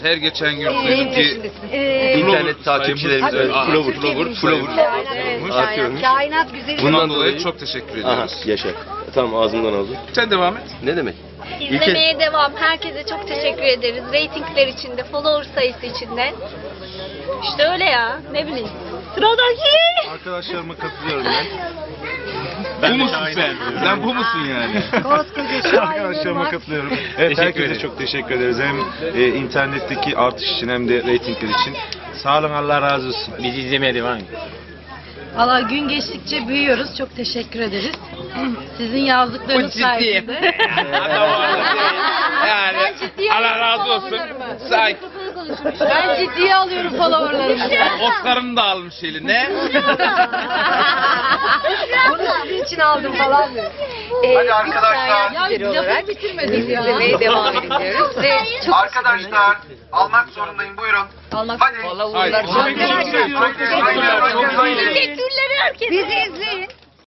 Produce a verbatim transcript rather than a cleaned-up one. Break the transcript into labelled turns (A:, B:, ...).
A: her geçen gün
B: Ee,
A: duydum ki
B: Ee,
C: İnternet takipçilerimiz öyle.
A: Aha,
C: Flower,
A: Flower,
C: Flower.
B: Kainat,
C: Artıyormuş.
B: kainat güzeli.
A: Bundan
C: Bundan
A: dolayı
C: dolayı-
A: çok teşekkür
C: Aha
A: ediyoruz.
C: yaşa. Tamam ağzımdan aldım.
A: Sen devam et.
C: Ne demek?
D: İzlemeye devam. Herkese çok teşekkür ederiz. Ratingler için de, follower sayısı için de. İşte öyle ya. Ne bileyim. Sıradaki.
E: Arkadaşlarıma katılıyorum ben.
A: Bu musun sen? Sen bu musun yani?
B: Koskoca şair
E: Arkadaşlarıma
B: olmak.
E: katılıyorum. Evet, herkese çok teşekkür ederiz. Hem e, internetteki artış için hem de reytingler için. Sağ olun, Allah razı olsun.
F: Bizi izlemeye devam edin.
G: Valla gün geçtikçe büyüyoruz. Çok teşekkür ederiz. Sizin yazdıklarınız sayesinde.
A: yani Allah razı olsun. Say.
G: Ben ciddiye alıyorum followerlarımı.
A: Oscar'ını da almış eline.
B: Bunu sizin için aldım falan diyor. Ee, Hadi arkadaşlar.
G: Ya lafı bitirmedik ya.
B: İzlemeye devam ediyoruz. Ve çok
H: Arkadaşlar almak zorundayım, buyurun.
G: Allah
H: Hadi.
A: Hayır.
B: Arkadaşlar,
H: Haydi, haydi, haydi.
D: Teşekkürler herkese.
B: bizi izleyin.